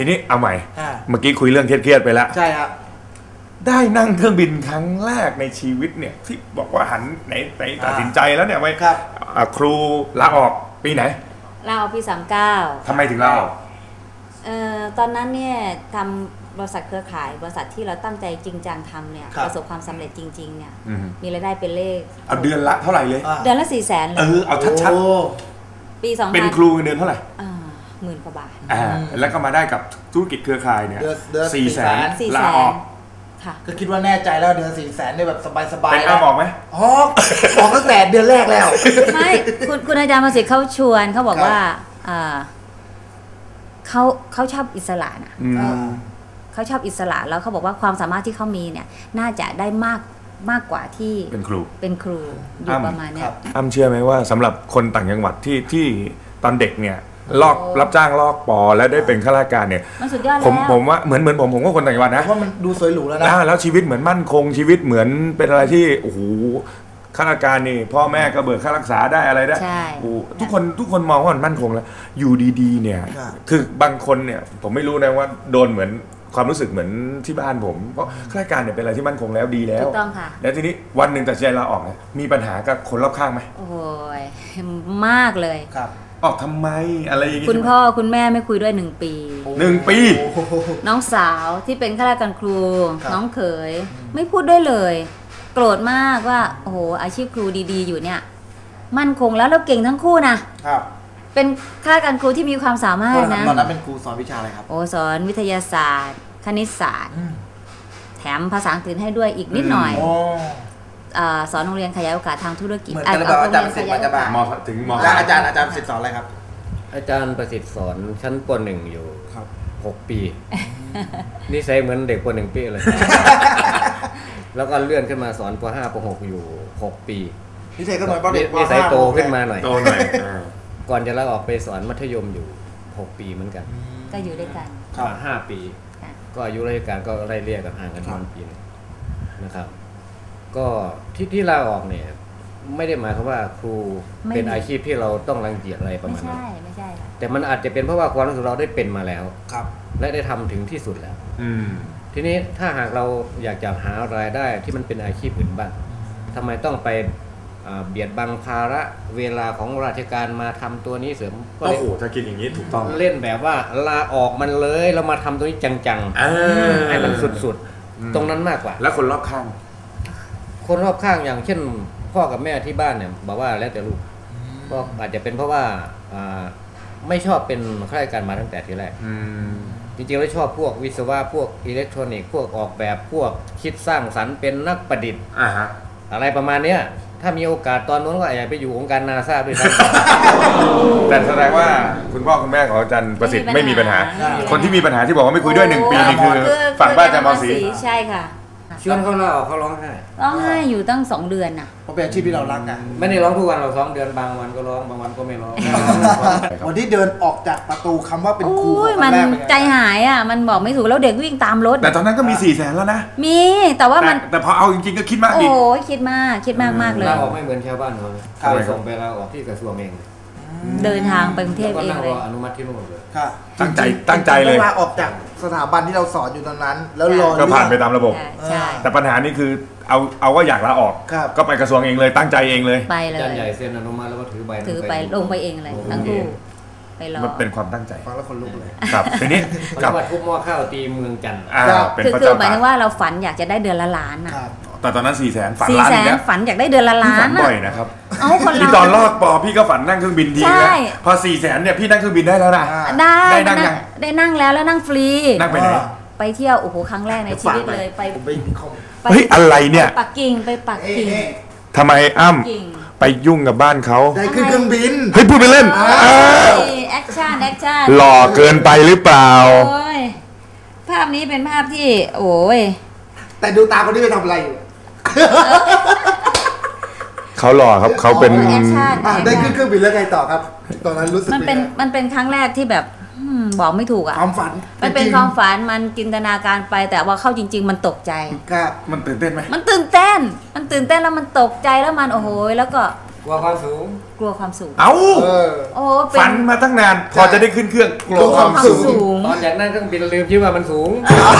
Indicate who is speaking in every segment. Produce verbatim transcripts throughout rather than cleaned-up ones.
Speaker 1: นี้เอาใหม่เมื่อกี้คุยเรื่องเครียดๆไปแล้ว
Speaker 2: ใช่ครับ
Speaker 1: ได้นั่งเครื่องบินครั้งแรกในชีวิตเนี่ยที่บอกว่าหันไหนไหนตัดสินใจแล้วเนี่ยไว้ครูลาออกปีไหน
Speaker 3: ลาออกปีสามเก้า
Speaker 1: ทำไมถึงลาออก
Speaker 3: เอ่อตอนนั้นเนี่ยทำบริษัทเครือข่ายบริษัทที่เราตั้งใจจริงจังทำเนี่ยประสบความสำเร็จจริงๆเนี่ยมีรายได้เป็นเลข
Speaker 1: เอาเดือนละเท่าไหร่เลย
Speaker 3: เดือนละสี่แสนเลย
Speaker 1: เออเอาชัดๆปีสองเป็นครูเดือนเท่าไหร่
Speaker 3: หมื่นกว่าบาท
Speaker 1: อ่าแล้วก็มาได้กับธุรกิจเครือข่ายเนี่ยสี่แสนลาออก
Speaker 2: ก็คิดว่าแน่ใจแล้วเดือนสี่แสนได้แบบสบายๆ
Speaker 1: เป็นอ้าบอกไหม
Speaker 2: อ๋อบอกตั้งแต่เดือนแรกแล้ว
Speaker 3: ไม่คุณคุณอาจารย์ประสิทธิ์เขาชวนเขาบอกว่าเขาเขาชอบอิสระนะเขาชอบอิสระแล้วเขาบอกว่าความสามารถที่เขามีเนี่ยน่าจะได้มากมากกว่าที่
Speaker 1: เป็นครู
Speaker 3: เป็นครูอยู่ประมาณนี้
Speaker 1: อ้ำเชื่อไหมว่าสำหรับคนต่างจังหวัดที่ที่ตอนเด็กเนี่ยลอกรับจ้างลอกปอแล้วได้เป็นข้าราชการเนี่ย
Speaker 3: มันสุดยอดแล้ว
Speaker 1: ผมผมว่าเหมือนเหมือนผมผมก็คนต่างจังหวัดนะ
Speaker 2: ว่ามันดูสวยหรูแล้วนะ
Speaker 1: แล้วชีวิตเหมือนมั่นคงชีวิตเหมือนเป็นอะไรที่โอ้โหข้าราชการนี่พ่อแม่ก็เบิกค่ารักษาได้อะไรได้ทุกคนทุกคนมองว่ามันมั่นคงแล้วอยู่ดีๆเนี่ยคือบางคนเนี่ยผมไม่รู้นะว่าโดนเหมือนความรู้สึกเหมือนที่บ้านผมเพราะข้าราชการเนี่ยเป็นอะไรที่มั่นคงแล้วดีแล้ว
Speaker 3: ถูกต้องค่ะ
Speaker 1: แล้วทีนี้วันหนึ่งตัดใจลาออกเนี่ยมีปัญหากับคนรอบข้างไหม
Speaker 3: โอ้ยมากเลย
Speaker 1: ครับออกทำไมอะไรอย่างงี้
Speaker 3: คุณพ่อคุณแม่ไม่คุยด้วยหนึ่งปี
Speaker 1: หนึ่งปี
Speaker 3: น้องสาวที่เป็นข้าราชการครูน้องเขยไม่พูดด้วยเลยโกรธมากว่าโอ้โหอาชีพครูดีๆอยู่เนี่ยมั่นคงแล้วแล้วเก่งทั้งคู่นะครับเป็นข้าราชการครูที่มีความสามารถนะ
Speaker 2: ตอนนั้นเป็นครูสอนวิชาอะไรครับ
Speaker 3: โอ้สอนวิทยาศาสตร์คณิตศาสตร์แถมภาษาอังกฤษให้ด้วยอีกนิดหน่อยสอนโรงเรียนขยายโอกาสทางธุรกิจ
Speaker 2: เหมือนกันแบบอาจารย์ประสิทธิ์มาจะบาม
Speaker 1: ถึงม
Speaker 2: อาจารย์อาจารย์ประสิทธิ์สอนอะไรครับ
Speaker 4: อาจารย์ประสิทธิ์สอนชั้นป.หนึ่งอยู่หกปีนี่ใช้เหมือนเด็กป.หนึ่งปีเลยแล้วก็เลื่อนขึ้นมาสอนป.ห้าป.หกอยู่หกปี
Speaker 2: นี่ใช้ก็หน่อยป.เด็กป.
Speaker 4: ห้านี่ใช้โตขึ้นมาหน่อย
Speaker 1: โตหน่อย
Speaker 4: ก่อนจะลาออกไปสอนมัธยมอยู่หกปีเหมือนกัน
Speaker 3: ก็อยู่ด้วยกัน
Speaker 4: ห้าปีก็อายุราชการก็ไล่เลี่ยกันห่างกันประมาณปีนะครับก็ที่ที่ลาออกเนี่ยไม่ได้หมายความว่าครูเป็นอาชีพที่เราต้องรังเกียจอะไรประมาณ
Speaker 3: นั้นไม่ใช่ไม่ใช่ค่ะ
Speaker 4: แต่มันอาจจะเป็นเพราะว่าความรู้สึกเราได้เป็นมาแล้ว
Speaker 2: ครับ
Speaker 4: และได้ทำถึงที่สุดแล้วทีนี้ถ้าหากเราอยากจะหารายได้ที่มันเป็นอาชีพอื่นบ้างทำไมต้องไปเบียดบังภาระเวลาของราชการมาทำตัวนี้เสริม
Speaker 1: ก็โอ้โหถ้าคิดอย่างนี้ถูกต้อง
Speaker 4: เล่นแบบว่าลาออกมันเลยแล้วมาทำตัวนี้จังๆให้มันสุดๆตรงนั้นมากกว่า
Speaker 1: แล้วคนรอบข้าง
Speaker 4: คนรอบข้างอย่างเช่นพ่อกับแม่ที่บ้านเนี่ยบอกว่าแล้วแต่ลูกก็อาจจะเป็นเพราะว่าไม่ชอบเป็นข้าราชการมาตั้งแต่ทีแรกจริงๆแล้วชอบพวกวิศวะพวกอิเล็กทรอนิกส์พวกออกแบบพวกคิดสร้างสรรค์เป็นนักประดิษฐ์อะไรประมาณนี้ถ้ามีโอกาสตอนนู้นก็อาจจะไปอยู่องค์การนาซาด้วยซ้
Speaker 1: ำแต่แสดงว่าคุณพ่อคุณแม่ของอาจารย์ประสิทธิ์ไม่มีปัญหาคนที่มีปัญหาที่บอกว่าไม่คุยด้วยหนึ่งปีนี่คือฝั่งบ้านอาจารย์มอสี
Speaker 3: ใช่ค่ะ
Speaker 4: ชวนเขาลาออกเขาร้องไห้
Speaker 3: ร้องไห้อยู่ตั้งสองเดือนน่ะ
Speaker 2: เพราะเป็นอาชีพที่เรารักนะ
Speaker 4: ไม่ได้ร้องทุกวันเราสองเดือนบางวันก็ร้องบางวันก็ไม่ร้อง
Speaker 2: วันที่เดินออกจากประตูคำว่าเป็นครู
Speaker 3: มันใจหายอ่ะมันบอกไม่ถูกแล้วเด็กวิ่งตามรถ
Speaker 1: แต่ตอนนั้นก็มีสี่แสนแล้วนะ
Speaker 3: มีแต่ว่ามัน
Speaker 1: แต่พอเอาจริงๆก็คิดมาก
Speaker 3: ดิโอ้ยคิดมากคิดมากมากเลย
Speaker 4: ลาออกไม่เหมือนชาวบ้านเขาไปส่งไปลาออกที่กระทรวงเอง
Speaker 3: เดินทางไปกรุงเทพเองเลย
Speaker 4: อนุมัติที่นู่นเลย
Speaker 1: ตั้งใจตั้งใจเลย
Speaker 2: ลาออกจากสถาบันที่เราสอนอยู่ตอนนั้นแล้วรอ
Speaker 1: ก็ผ่านไปตามระบบแต่ปัญหานี้คือเอาเอาว่าอยากลาออกก็ไปกระทรวงเองเลยตั้งใจเองเลย
Speaker 3: ไปเลย
Speaker 4: อาจารย์ใหญ่เซ็นอนุมัติแล้วก็ถือใบ
Speaker 3: ถือไปลงไปเองเลยทั้งคู่ไปรอ
Speaker 1: มันเป็นความตั้งใจ
Speaker 2: ฟังแล้วคนลุกเลย
Speaker 1: ครับทีนี้
Speaker 4: กับทุบหม้อข้าวตีเมืองจันทร์
Speaker 3: คือคือหมายถึงว่าเราฝันอยากจะได้เดือนละล้านอ่ะ
Speaker 1: แต่ตอนนั้นสี่แสนฝัน
Speaker 3: ล้านอีกแล้วฝันอยากได้เดือนละล้าน
Speaker 1: บ่อยนะครับพี่ตอนลอกปอพี่ก็ฝันนั่งเครื่องบินทีนะพอสี่แสนเนี่ยพี่นั่งเครื่องบินได้แล้วนะ
Speaker 3: ได้ได้นั่งได้นั่งแล้วแล้วนั่งฟรี
Speaker 1: นั่งไปไหน
Speaker 3: ไปเที่ยวโอ้โหครั้งแรกในชีวิตเลยไป
Speaker 1: เฮ้ยอะไรเนี่ย
Speaker 3: ปักกิ่งไปปักกิ่ง
Speaker 1: ทำไมอ้ำไปยุ่งกับบ้านเขา
Speaker 2: ได้ขึ้นเครื่องบิน
Speaker 1: เฮ้ยพูดไปเล่น
Speaker 3: แอคชั่นแอคชั่น
Speaker 1: หล่อเกินไปหรือเปล่า
Speaker 3: ภาพนี้เป็นภาพที่โอ้ย
Speaker 2: แต่ดูตาคนนี้ไปทำอะไรอยู่
Speaker 1: เขาหล่อครับเขาเป็น
Speaker 2: ได้ขึ้นเครื่องบินแล้วไงต่อครับตอนนั้นรู้สึก
Speaker 3: มันเป็นมันเป็นครั้งแรกที่แบบบอกไม่ถูกอ่ะ
Speaker 2: ความฝัน
Speaker 3: มันเป็นความฝันมันจินตนาการไปแต่ว่าเข้าจริงๆมันตกใจ
Speaker 2: ครับ
Speaker 1: มันตื่นเต้นไหม
Speaker 3: มันตื่นเต้นมันตื่นเต้นแล้วมันตกใจแล้วมันโอ้โหแล้วก็
Speaker 4: กลัวความสูง
Speaker 3: กลัวความสูง
Speaker 1: เอ้า
Speaker 2: เออ
Speaker 3: โอ้เป็น
Speaker 1: ฝันมาตั้งนาน พอจะได้ขึ้นเครื่องกลัว
Speaker 2: กลัวความ ม
Speaker 1: คาวสู
Speaker 2: สู
Speaker 1: ง
Speaker 2: ง
Speaker 4: ตอนจากนั้นเครื่องบินลืมคิดว่ามันสูง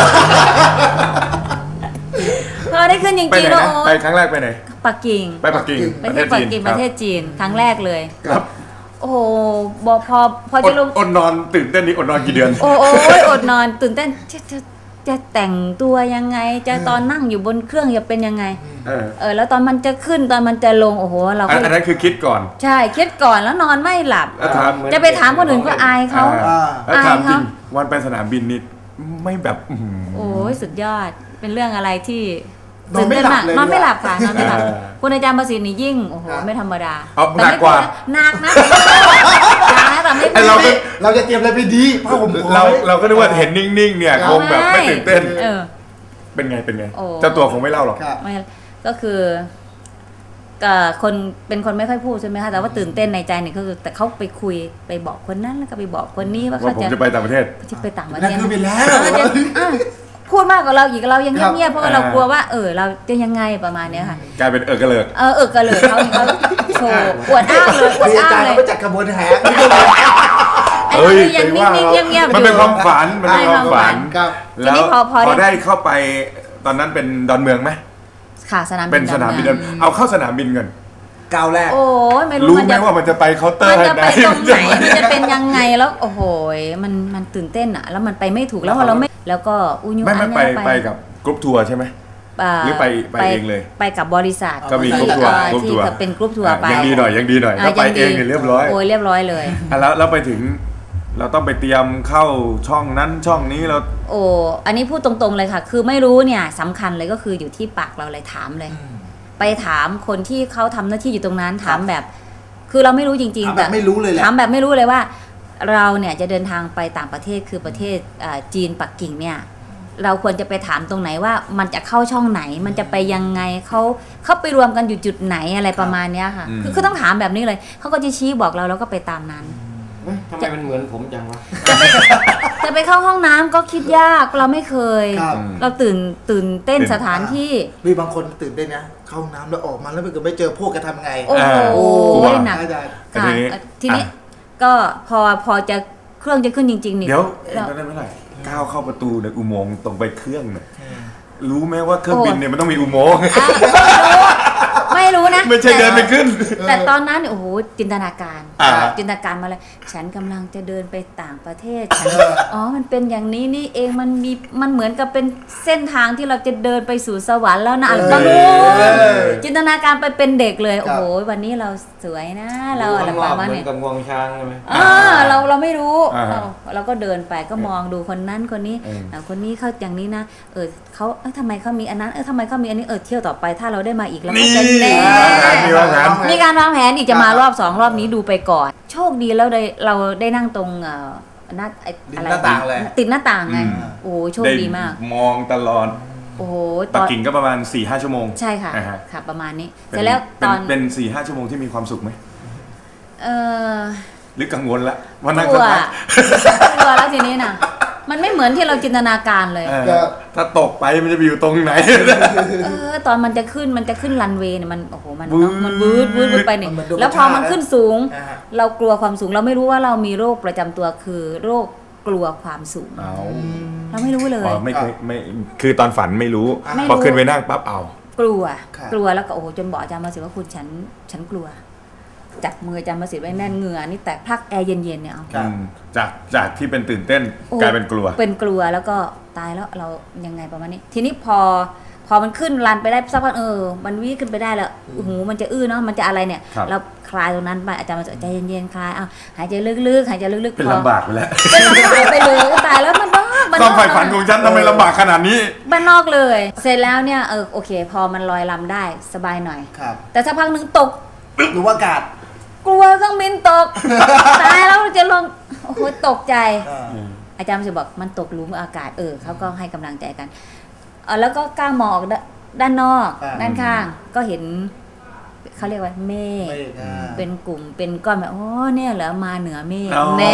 Speaker 3: พอได้ขึ้นจ
Speaker 1: ไป
Speaker 3: ริง
Speaker 1: ไหน
Speaker 3: ๆแล้ว
Speaker 1: นะ
Speaker 3: โอ้
Speaker 1: ไปครั้งแรกไปไหน
Speaker 3: ปักกิ่ง
Speaker 1: ไปปักกิ่ง
Speaker 3: ไปที่ปักกิ่งประเทศจีนครั้งแรกเลย
Speaker 1: ครับ
Speaker 3: โอ้โหบอพอพอ
Speaker 1: อ
Speaker 3: จะ
Speaker 1: ด
Speaker 3: ลง
Speaker 1: อดนอนตื่นเต้นนี่อดนอนกี่เดือน
Speaker 3: โอ้โอ้ยอดนอนตื่นเต้นจะจะจะแต่งตัวยังไง จะตอนนั่งอยู่บนเครื่องจะเป็นยังไง
Speaker 1: เออ
Speaker 3: เออแล้วตอนมันจะขึ้นตอนมันจะลงโอ้โหเรา
Speaker 1: อั
Speaker 3: ก็
Speaker 1: นอันนั้นคือคิดก่อน
Speaker 3: ใช่คิดก่อนแล้วนอนไม่หลับ
Speaker 1: แล้วถาม
Speaker 3: จะไปถามคนอื่นก็อายเขา
Speaker 1: อ่าแล้วถาม
Speaker 3: อาย
Speaker 1: จริ
Speaker 3: เขา
Speaker 1: งวันไปสนามบินนี่ไม่แบบอื้อหือ
Speaker 3: โอ้ยสุดยอดเป็นเรื่องอะไรที่
Speaker 2: นอนไม่หลับเลย
Speaker 3: นอนไม่หลับค่ะนอนไม่หลับ
Speaker 1: เออ
Speaker 3: คุณอาจารย์ประสิทธิ์นี่ยิ่งโอ้โหไม่ธรรมดา
Speaker 1: เอา
Speaker 3: แต่
Speaker 1: หนัก
Speaker 3: ไม่
Speaker 1: กว่า
Speaker 3: หนักนะหนักนะแต่ไม่
Speaker 1: ไอ้เราก็
Speaker 2: เราจะเตรียมอะไรไปดีผ้าห่ม
Speaker 1: เราเราก็นึกว่าเห็นนิ่งๆเนี่ยคงแบบไม่ตื่นเต้น
Speaker 3: เออ
Speaker 1: เป็นไงเป็นไง
Speaker 3: โอ้
Speaker 1: เจ้าตัวคงไม่เล่าหรอก
Speaker 2: ครับ
Speaker 3: ไม่ก็คือก็คนเป็นคนไม่ค่อยพูดใช่ไหมคะแต่ว่าตื่นเต้นในใจเนี่ยก็คือแต่เขาไปคุยไปบอกคนนั้นแล้วก็ไปบอกคนนี้ว่า
Speaker 1: ว่า
Speaker 3: เขา
Speaker 1: ผม
Speaker 3: จะ
Speaker 1: จะไปต่างประเทศ
Speaker 3: จะไปต่างประเท
Speaker 2: นั่น
Speaker 3: ศ
Speaker 2: คือไปแล้ว
Speaker 3: เออจะอ่ะพูดมากกว่าเราอีกเรายัง
Speaker 2: ครับ
Speaker 3: เงียบๆเพราะว่าเรากลัวว่าเออเราจะยังไงประมาณเนี้ยค่ะ
Speaker 1: กลายเป็นเออกระเลิก
Speaker 3: เออเออกระเลยเขาเขาโชว์อวดอ้างเลยอวด
Speaker 2: มีอา
Speaker 3: อ้าง
Speaker 2: จารย์
Speaker 3: เลย
Speaker 2: เขาไปจัดขบวนแห่
Speaker 3: ไอ้เราเนี่ยยังนิ่งๆเงียบๆอยู่
Speaker 1: มันเป็นความฝันมันเป็นความฝัน
Speaker 2: ครับ
Speaker 3: ที
Speaker 1: แล้ว
Speaker 3: นี้พอพอ
Speaker 1: พอ
Speaker 3: ได้
Speaker 1: ได้เข้าไปตอนนั้นเป็นดอนเมืองไหม
Speaker 3: ค่ะสนามบิน
Speaker 1: เป็นสนามบินดอนเอาเข้าสนามบินกัน
Speaker 2: ก้าวแรก
Speaker 3: โอ้ยไม่รู้
Speaker 1: รู้
Speaker 3: มัน
Speaker 1: ไหม
Speaker 3: จะ
Speaker 1: ว่ามันจะไปเคาน์เตอ
Speaker 3: มั
Speaker 1: ร์
Speaker 3: นจะ
Speaker 1: ไหน
Speaker 3: ไปตรงไหนมันจะเป็นยังไงแล้วโอ้โหมันมันตื่นเต้นอ่ะ แล้วมันไปไม่ถูกแล้วพอเราไม่แล้วก็อุยุ
Speaker 1: ไม่ไม่
Speaker 3: อัน
Speaker 1: ไป
Speaker 3: เนี้ย
Speaker 1: ไปกับกรุ๊ปทัวร์ใช่ไหม หรือไปไปเองเลย
Speaker 3: ไปกับบริษัท
Speaker 1: ก็มีกรุ๊ปทัวร์
Speaker 3: ที่
Speaker 1: กรุ๊ปทัวร์
Speaker 3: ที่เป็นกรุ๊ปทัวร์ไป
Speaker 1: ยังดีหน่อยยังดีหน่อย
Speaker 3: อ่ะ
Speaker 1: ถ้าไป
Speaker 3: ยังดี
Speaker 1: เองเนี่ยเรียบร้อย
Speaker 3: โอ้ยเรียบร้อยเลย
Speaker 1: อ่ะแล้วแล้วไปถึงเราต้องไปเตรียมเข้าช่องนั้นช่องนี้เรา
Speaker 3: โอ้อันนี้พูดตรงๆเลยค่ะ คือไม่รู้เนี่ยสำคัญเลยก็คืออยู่ที่ปากเราเลยถามเลย ไปถามคนที่เขาทำหน้าที่อยู่ตรงนั้นถามแบบ คือเราไม่รู้จริง
Speaker 2: ถาม
Speaker 3: ๆ
Speaker 2: แบบไม่รู้เลยแหละ
Speaker 3: ถามแบบไม่รู้เลยว่า เราเนี่ยจะเดินทางไปต่างประเทศคือประเทศอ่าจีนปักกิ่งเนี่ยเราควรจะไปถามตรงไหนว่ามันจะเข้าช่องไหน มันจะไปยังไงเขาเขาไปรวมกันอยู่จุดไหนอะไรประมาณเนี้ยค่ะ คือคือต้องถามแบบนี้เลยเขาก็จะชี้บอกเราแล้วก็ไปตามนั้น
Speaker 4: ทำไมมันเหมือนผมจังวะ
Speaker 3: จะไปจะไปเข้าห้องน้ำก็คิดยากเราไม่เคย
Speaker 2: ครับ
Speaker 3: เราตื่นตื่นเต้นสถานที่
Speaker 2: มีบางคนตื่นเต้นนะเข้าห้องน้ำแล้วออกมาแล้วไปเกิดไม่เจอพวกจะทำไง
Speaker 3: โอ้โห
Speaker 1: กลัว
Speaker 3: หนัก
Speaker 2: อาจารย์
Speaker 3: ค่ะ
Speaker 1: ทีนี้
Speaker 3: ทีนี้
Speaker 1: อ่ะ
Speaker 3: ก็พอพอจะเครื่องจะขึ้นจริงๆนี่
Speaker 1: เดี๋ยว
Speaker 3: เรา
Speaker 1: ตอนนั้นเมื่อไหร่ก้าวเข้าประตูในอุโมงค์ตรงไปเครื่องเนี่ยรู้ไหมว่าเครื่องบินเนี่ยมันต้องมีอุโมงค์
Speaker 3: อ่ะไม่รู้นะ
Speaker 1: ไม่ใช่เดินไปขึ้น
Speaker 3: แต่ตอนนั้นเนี่ยโอ้โหจินตนาการ
Speaker 1: อ่า
Speaker 3: จินตนาการมาเลย ฉันกำลังจะเดินไปต่างประเทศฉันอ๋อมันเป็นอย่างนี้นี่เองมันมีมันเหมือนกับเป็นเส้นทางที่เราจะเดินไปสู่สวรรค์แล้วนะบางจินตนาการไปเป็นเด็กเลยโอ้โหวันนี้เราสวยนะเราอะไรประมาณ
Speaker 4: เหมือ
Speaker 3: นี้
Speaker 4: นกับงวงช้างใช่ไหม
Speaker 3: อ่าเราเราไม่รู้
Speaker 1: อ่า
Speaker 3: เราเราก็เดินไปก็มองดูคนนั้นคนนี้
Speaker 1: เออ
Speaker 3: อ่าคนนี้เขาอย่างนี้นะเออเขาเออทำไมเขามีอันนั้นเออทำไมเขามีอันนี้เออเที่ยวต่อไปถ้าเราได้มาอีกแล้ว
Speaker 1: นี่
Speaker 3: ก็จะแน่
Speaker 1: มีวางแผน
Speaker 3: มีการวางแผนอีกจะมารอบสองรอบนี้ดูไปก่อน โชคดีแล้วได้เราได้นั่งตรงเอ่อหน้าไอ้อะไร
Speaker 2: หน้าต่างเลย
Speaker 3: ติดหน้าต่างไง
Speaker 1: อืม
Speaker 3: โอ้โหโชคดีมาก
Speaker 1: มองตลอด
Speaker 3: โอ้โหต
Speaker 1: ปัก
Speaker 3: อน
Speaker 1: กิ่งก็ประมาณ4ี่ห้าชั่วโมง
Speaker 3: ใช่ค่ะ
Speaker 1: อ่าฮะ
Speaker 3: ค่ะประมาณนี้
Speaker 1: เป็
Speaker 3: เสร็จแล้วตอน
Speaker 1: เป็นสี่ห้าชั่วโมงที่มีความสุขไหม
Speaker 3: เออ
Speaker 1: หรือกังวลละวันนั่ง
Speaker 3: กลัว
Speaker 1: สักพัก
Speaker 3: กลัวแล้วทีนี้น่ะ มันไม่เหมือนที่เราจินตนาการเลย
Speaker 1: เออถ้าตกไปมันจะไปอยู่ตรงไหน
Speaker 3: เออตอนมันจะขึ้นมันจะขึ้นรันเวย์เนี่ยมันโอ้โหมัน
Speaker 1: วืด
Speaker 3: มันวืดวืดวืดไปเนี่ย
Speaker 2: มันดู
Speaker 3: แล้วพอมัน
Speaker 2: ธรรมชาติ
Speaker 3: ขึ้นสูง
Speaker 2: อ่าฮะ
Speaker 3: เรากลัวความสูงเราไม่รู้ว่าเรามีโรคประจำตัวคือโรคกลัวความสูง
Speaker 1: เอา
Speaker 3: เราไม่รู้เลย
Speaker 1: อ๋อไม่เคยไม่คือตอนฝันไม่รู้
Speaker 3: ไม่รู้
Speaker 1: พอขึ้นไปนั่งปั๊บเอา
Speaker 3: กลัว
Speaker 2: ครับ
Speaker 3: กลัวแล้วก็โอ้โหจนบอกอาจารย์มาสิว่าคุณฉันฉันกลัวจับมืออาจารย์มาสิไว้แน่นเหงื่อนี่แตกพลักแอร์เย็นๆเนี่ยเอา
Speaker 2: ครับ
Speaker 1: อืมจากจากที่เป็นตื่นเต้น
Speaker 3: โอ้
Speaker 1: กลายเป็นกลัว
Speaker 3: เป็นกลัวแล้วก็ตายแล้วเรายังไงประมาณนี้ ทีนี้พอพอมันขึ้นรันไปได้สักพักเออมันวิ่งขึ้นไปได้แล้วหูมันจะอื้อเนาะมันจะอะไรเนี่ย
Speaker 1: ครับ
Speaker 3: เราคลายตรงนั้นไปอาจารย์มาสิใจเย็นๆคลายเอาหายใจลึกๆหายใจลึกๆ
Speaker 1: เป็น
Speaker 3: พอ
Speaker 1: ลำบากไปแล้ว
Speaker 3: เป็นลำบากไปเลยก็ตายแล้วมันบ้าบ้าน
Speaker 1: ความ
Speaker 3: นอก
Speaker 1: ใฝ่ฝันของฉันทำไมลำบากขนาดนี้
Speaker 3: บ้านนอกเลย เสร็จแล้วเนี่ยเออโอเค พอมันลอยลำได้สบายหน่อย
Speaker 2: ครับ
Speaker 3: แต่สักพักหนึ่งตก
Speaker 2: หรือว่าอากาศ
Speaker 3: กลัวเครื่องบินตก ตายแล้วจะลงโอ้โหตกใจ
Speaker 2: อ่า
Speaker 3: อาจารย์จะบอกมันตกหลุมอากาศเออเขาก็ให้กำลังใจกันเออแล้วก็กล้ามองออกด้านด้านนอก
Speaker 2: อ่า
Speaker 3: ด้านข้างก็เห็นเขาเรียกว่าเมฆ
Speaker 2: ไม่อ่า
Speaker 3: เป็นกลุ่มเป็นก้อนแบบโอ้เนี่ยเหรอมาเหนือเมฆ
Speaker 1: อ๋อ
Speaker 3: แน่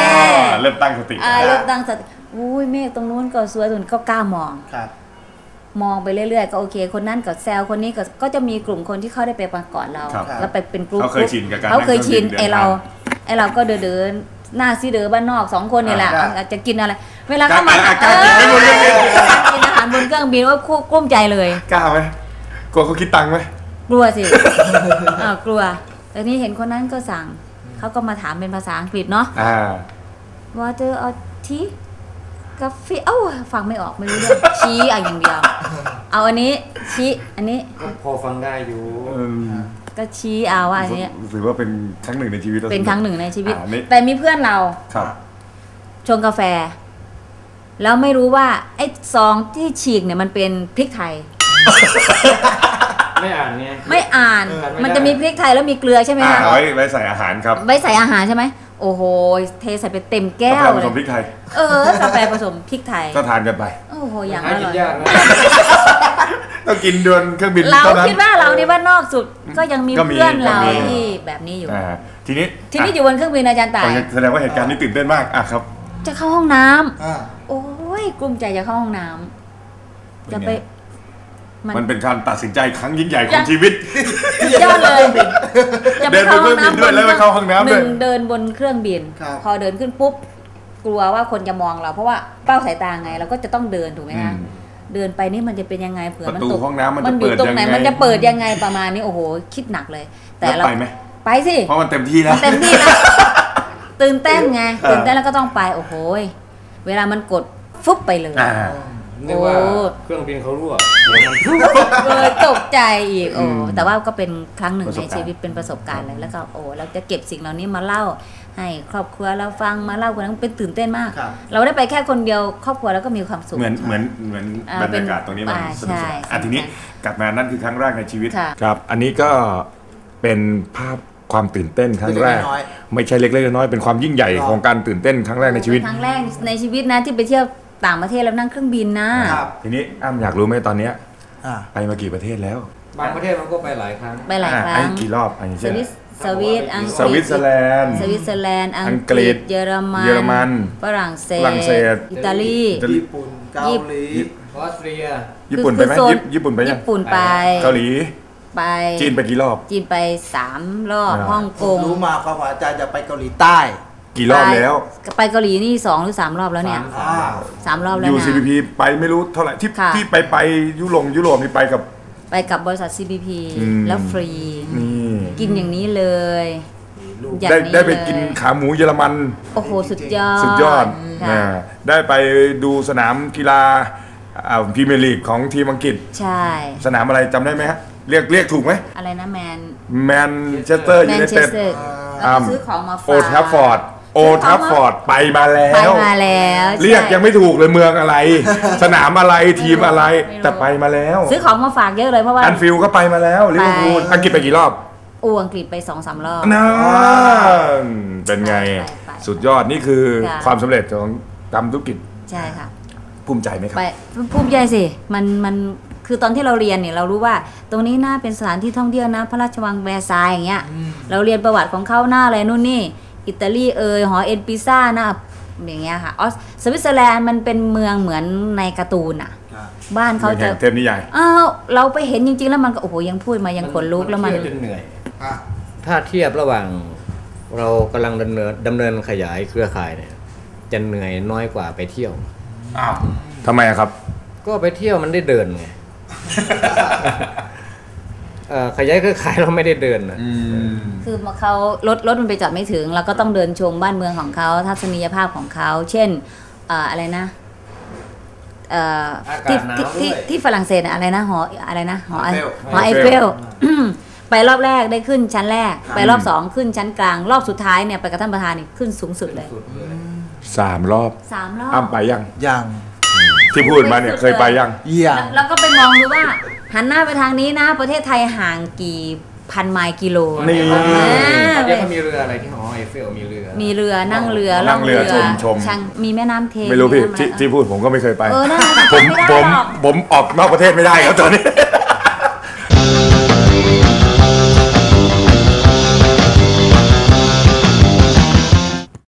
Speaker 1: เริ่มตั้งสติ
Speaker 3: อ่าเริ่มตั้งสติอุ้ยเมฆตรงนู้นก็สวยตรงนี้ก็กล้ามอง
Speaker 2: ครับ
Speaker 3: มองไปเรื่อยๆก็โอเคคนนั้นก็แซวคนนี้ก็ก็จะมีกลุ่มคนที่เขาได้ไปมาก่อนเรา
Speaker 1: ครับ
Speaker 3: แล้วไปเป็นกลุ่ม
Speaker 1: เขาเคยชินกับการ
Speaker 3: เขาเคยชิน
Speaker 1: นั่งเค
Speaker 3: ไอ
Speaker 1: รื่องบิน
Speaker 3: เรา
Speaker 1: เดินทาง
Speaker 3: ไอเราก็เดินเดินหน้าซีเดอบ้านนอกสองคนนี่แหละ
Speaker 2: ครับ
Speaker 3: อาจจะกินอะไร เวลาเข้ามา
Speaker 1: การการกินบนเครื่องบิน
Speaker 3: การกินอาหารบนเครื่องบินว่าคู่กลุ้มใจเลย
Speaker 1: กล้าไหมกลัวเขาคิดตังค์ไหม
Speaker 3: กลัวสิ อ่ากลัวแต่นี่เห็นคนนั้นก็สั่งเขาก็มาถามเป็นภาษาอังกฤษเนาะ
Speaker 1: อ่า
Speaker 3: water or tea กาแฟเอ้าฟังไม่ออกไม่รู้เรื่อง ชี้เอาอย่างเดียว เอาอันนี้ชี้อันนี้
Speaker 4: ก็พอฟังได้อยู่
Speaker 3: ก็ชี้เอาว่าอันนี้
Speaker 1: ถือว่าเป็นครั้งหนึ่งในชีวิตรา
Speaker 3: เป็นครั้งหนึ่งในชีวิต
Speaker 1: อ่านี่
Speaker 3: แต่มีเพื่อนเรา
Speaker 1: ครับ
Speaker 3: ชงกาแฟ แล้วไม่รู้ว่าไอ้ซองที่ฉีกเนี่ยมันเป็นพริกไทย
Speaker 4: ไม่อ่านไง
Speaker 3: ไม่อ่าน
Speaker 4: เออไม่ได้
Speaker 3: มันจะมีพริกไทยแล้วมีเกลือใช่ไหม
Speaker 1: อ่า
Speaker 3: คะ
Speaker 1: ไว้ไว้ใส่อาหารครับ
Speaker 3: ไว้ใส่อาหารใช่ไหมโอ้โหเทใส่ไปเต็มแก้
Speaker 1: กาแฟ
Speaker 3: ว
Speaker 1: ผ
Speaker 3: เล
Speaker 1: สมพริ
Speaker 3: ย
Speaker 1: กไทย
Speaker 3: เออกาแฟผสมพริกไทย
Speaker 1: ก็ทานกันไป
Speaker 3: โอ้โหอย่าง
Speaker 4: หา
Speaker 3: อ
Speaker 4: กิ
Speaker 3: ร่
Speaker 4: น
Speaker 3: อย
Speaker 4: ยากนะ
Speaker 1: ต้องกินดวนเครื่องบิน
Speaker 3: เรา
Speaker 1: เท่านั้น
Speaker 3: คิดว่าเรานี่ว่านอกสุดก็ยังมี
Speaker 1: ก็มี
Speaker 3: เพื่อนเรา
Speaker 1: ก็มี
Speaker 3: ที่แบบนี้อยู่
Speaker 1: อ่าทีนี้
Speaker 3: ทีนี้อยู่บนเครื่องบินอาจารย์ต่าย
Speaker 1: อ่ะแสดงว่าเหตุการณ์นี้ตื่นเต้นมากอ่ะครับ
Speaker 3: จะเข้าห้องน้ำ
Speaker 2: อ่า
Speaker 3: โอ้ยกลุ้มใจจะเข้าห้องน้ำจะไป
Speaker 1: มันเป็นการตัดสินใจครั้งยิ่งใหญ่ข
Speaker 3: ยั
Speaker 1: อง
Speaker 3: ง
Speaker 1: ชีวิต
Speaker 3: สุดยอดเลยจะไปเข้าห้องน้ำ
Speaker 1: เดินบนเครื่องบินด้วยแล้วไปเข้าห้องน้ำด้วย
Speaker 3: หนึ่งเดินบนเครื่องบิน
Speaker 2: ครับ
Speaker 3: พอเดินขึ้นปุ๊บกลัวว่าคนจะมองเรา เพราะว่าเป้าสายตาไงเราก็จะต้องเดินถูกไหมคะ
Speaker 1: อืม
Speaker 3: เดินไปนี่มันจะเป็นยังไงเผื่อมัน
Speaker 1: ประตู
Speaker 3: ตก
Speaker 1: ห้องน้ำมันจะ
Speaker 3: อยู่ตรงไหน
Speaker 1: เปิดยังไง
Speaker 3: มันจะเปิดยังไงประมาณนี้โอ้โหคิดหนักเลย แต่
Speaker 1: แล้ว
Speaker 3: เรา
Speaker 1: ไปไหม
Speaker 3: ไปสิ
Speaker 1: เพราะมันเต็มที่แล้ว
Speaker 3: เต็มที่แล้วตื่นเต้นไง
Speaker 1: อ่า
Speaker 3: ตื่นเต้นแล้วก็ต้องไปโอ้โหเวลามันกดฟุบไปเลย
Speaker 1: อ่า
Speaker 4: นึกว่า
Speaker 3: โอ้
Speaker 4: เครื่องบินเขารั่ว
Speaker 3: เลยตกใจอีกโอ้
Speaker 1: อืม
Speaker 3: แต่ว่าก็เป็นครั้งหนึ่ง
Speaker 1: ประส
Speaker 3: ใน
Speaker 1: บการณ์
Speaker 3: ชีวิตเป็นประสบการณ์เลยแล้วก็โอ้เราจะเก็บสิ่งเหล่านี้มาเล่าให้ครอบครัวเราฟังมาเล่าคนนั้นเป็นตื่นเต้นมาก
Speaker 2: ครับ
Speaker 3: เราได้ไปแค่คนเดียวครอบครัวแล้วก็มีความสุข
Speaker 1: เหมือนเหมือนเหมือน
Speaker 3: อ่า
Speaker 1: บรรยากาศตรงนี้มัน
Speaker 3: อ่า
Speaker 1: สนุกส
Speaker 3: ใช่
Speaker 1: นาน
Speaker 3: ใช่
Speaker 1: อ่ะทีนี้กลับมานั่นคือครั้งแรกในชีวิต
Speaker 3: ค่ะ
Speaker 1: ครับ อันนี้ก็เป็นภาพความตื่นเต้นครั้งแรก
Speaker 2: เล็กๆน้อย
Speaker 1: ไม่ใช่เล็กๆน้อยๆเป็นความยิ่งใหญ่ของการตื่นเต้นครั้งแรกในชีวิต
Speaker 3: เป็นครั้งแรกในชีวิตนะที่ไปเที่ยวต่างประเทศแล้วนั่งเครื่องบินนะ
Speaker 2: ครับ
Speaker 1: ทีนี้อ้ำอยากรู้ไหมตอนเนี้ย
Speaker 2: อ่า
Speaker 1: ไปมากี่ประเทศแล้ว
Speaker 4: บางประเทศมันก็ไปหลายครั้ง
Speaker 3: ไปหลาย
Speaker 1: อ่ะ
Speaker 3: ครั้
Speaker 1: ไอ้
Speaker 3: ง
Speaker 1: กี่รอบอันนี้
Speaker 3: ส
Speaker 1: เช่น
Speaker 3: วิสสวิตอังกฤษ
Speaker 1: สวิตเซอร์แลนด์
Speaker 3: สวิตเซอร์แลนด์อั
Speaker 1: อั
Speaker 3: ง
Speaker 1: ง
Speaker 3: ก
Speaker 1: กฤ
Speaker 3: ฤ
Speaker 1: ษ
Speaker 3: ษเยอรมัน
Speaker 1: เยอรมัน
Speaker 3: ฝรั่งเศส
Speaker 1: ฝรั่งเศส
Speaker 3: อิตาลี
Speaker 1: อิตาลี
Speaker 2: ญี่ปุ่นเกาหลี
Speaker 4: ออสเตรีย
Speaker 1: ญี่ปุ่นไปไหม
Speaker 3: คือโซน
Speaker 1: ญี่ญี่ปุ่นไปยัง
Speaker 3: ญี่ปุ่นไป
Speaker 1: เกาหลี
Speaker 3: ไป
Speaker 1: จีนไปกี่รอบ
Speaker 3: จีนไปสามรอบ
Speaker 1: อ่า
Speaker 3: ฮ่อง
Speaker 2: ผ
Speaker 3: ก
Speaker 2: ม
Speaker 3: ง
Speaker 2: รู้มาความว่าอาจารย์จะไปเกาหลีใต้
Speaker 1: กี่รอบแล้ว
Speaker 3: ไปเกาหลีนี่สองหรือสามรอบแล้วเนี่ย
Speaker 4: สาม
Speaker 2: อ่า
Speaker 3: สามรอบแล้ว
Speaker 1: ยู
Speaker 3: นะ
Speaker 1: ซีพีพีไปไม่รู้เท่าไหร่ที่
Speaker 3: ค่ะ
Speaker 1: ที่ไปไปยุโรปยุโรปนี่ไปกับ
Speaker 3: ไปกับบริษัท ซี บี พี
Speaker 1: อืม
Speaker 3: แล้วฟรี
Speaker 1: นี่
Speaker 3: กินอย่างนี้เลย
Speaker 2: ลูก
Speaker 3: อย่าง
Speaker 1: ได้
Speaker 3: นี้
Speaker 1: ได้ไป
Speaker 3: เลย
Speaker 1: กินขาหมูเยอรมัน
Speaker 3: โอ้โห สุดยอด
Speaker 1: สุดยอด
Speaker 3: ค่ะ
Speaker 1: นะได้ไปดูสนามกีฬาพรีเมียร์ลีกของทีมอังกฤษ
Speaker 3: ใช่
Speaker 1: สนามอะไรจำได้ไหมฮะ เรียกเรียกถูกไหม
Speaker 3: อะไรนะแมน
Speaker 1: แมนเชสเตอร์
Speaker 3: แม
Speaker 1: ยู
Speaker 3: น
Speaker 1: ไน
Speaker 3: เช
Speaker 1: เต็
Speaker 3: ส
Speaker 1: ด
Speaker 3: เตอร์แล้วก็ซื้อของมาฝาก
Speaker 1: โอทัฟฟอร์ดโอทัฟฟอร์ดไปมาแล้
Speaker 3: ไป
Speaker 1: ว
Speaker 3: มาแล้ว
Speaker 1: เรียก
Speaker 3: ใช่
Speaker 1: ยังไม่ถูกเลยเมืองอะไร สนามอะไรทีมอะไร
Speaker 3: ไม่รู้
Speaker 1: แต่ไปมาแล้ว
Speaker 3: ซื้อของมาฝากเยอะเลยเพราะว่า
Speaker 1: อันฟิลก็ไปมาแล้วลิเวอร์พูล
Speaker 3: ไป
Speaker 1: อังกฤษไปกี่รอบ
Speaker 3: อูอังกฤษไปสองสามรอบ
Speaker 1: นั่นเป็นไง
Speaker 3: ไปไป
Speaker 1: สุดยอดนี่คือ
Speaker 3: ค่ะ
Speaker 1: ความสำเร็จของทำธุรกิจ
Speaker 3: ใช่ค่ะ
Speaker 1: ภูมิใจไหมครับ
Speaker 3: ไปภูมิใจสิ มันมันคือตอนที่เราเรียนเนี่ยเรารู้ว่า ตรงนี้น่าเป็นสถานที่ท่องเที่ยวนะ พระราชวังแวร์ซายน์อย่างเงี้ย เราเรียนประวัติของเขาหน้าอะไรนู่นนี่ อิตาลีเอยหอเอ็นปิซ่านะอย่างเงี้ยค่ะออสสวิตเซอร์แลนด์มันเป็นเมืองเหมือนในการ์ตูนอ่ะ
Speaker 2: ครับ
Speaker 3: บ้านเขาจะ
Speaker 1: เทพนิยาย
Speaker 3: อ้าวเราไปเห็นจริงๆแล้วมันก็โอ้โหยังพูดมายังขนลุกแล้วมัน
Speaker 4: เที่ยจนเหนื่อย
Speaker 2: อ่ะ
Speaker 4: ถ้าเทียบระหว่างเรากำลังดำเนินดำเนินขยายเครือข่ายเนี่ยจะเหนื่อยน้อยกว่าไปเที่ยว
Speaker 1: อ้าวทำไมอะครับ
Speaker 4: ก็ไปเที่ยวมันได้เดินไง เอ่อขยายเครือข่ายเราไม่ได้เดินนะ
Speaker 3: คือเขารถรถมันไปจอดไม่ถึงเราก็ต้องเดินชมบ้านเมืองของเขาทัศนียภาพของเขา เช่นเอ่ออะไรนะเอ่อ
Speaker 4: อากา
Speaker 3: ที่
Speaker 4: ศหนาว
Speaker 3: ที่
Speaker 4: ด้
Speaker 3: ที่
Speaker 4: วย
Speaker 3: ที่ฝรั่งเศสอะอะไรนะหออะไรนะหอ
Speaker 2: หอไอเฟล
Speaker 3: หอไอเฟล ไปรอบแรกได้ขึ้นชั้นแรก ไปรอบสองขึ้นชั้นกลาง รอบสุดท้ายเนี่ยไปกับท่านประธานนี่ขึ้นสูงสุดเลย
Speaker 4: สุดเลย
Speaker 1: สามรอบ
Speaker 3: สามรอบ
Speaker 1: อ้ำไปยัง
Speaker 2: ยัง
Speaker 1: ที่พูดมาเนี่ยเคยไปยัง
Speaker 2: เยี่ยม
Speaker 3: แล้วก็ไปมองดูว่า หันหน้าไปทางนี้นะ ประเทศไทยห่างกี่พันไมล์กิโล
Speaker 1: นี่
Speaker 3: อ่า
Speaker 4: เดี๋ยวเขามีเรืออะไรที่หอไอเฟลมีเรือ
Speaker 3: มีเรือนั่งเรือ
Speaker 1: นั่งเรือชมชม
Speaker 3: ช่างมีแม่น้ำเทม
Speaker 1: ไม่รู้พี่
Speaker 3: น้ำอะ
Speaker 1: ที่
Speaker 3: อะ
Speaker 1: ที่พูดผมก็ไม่เคยไป
Speaker 3: เออนั่นน่ะ
Speaker 1: ผม
Speaker 3: จำไม่ได้
Speaker 1: ผม
Speaker 3: หรอก
Speaker 1: ผมออกนอกประเทศไม่ได้ครับตอนนี้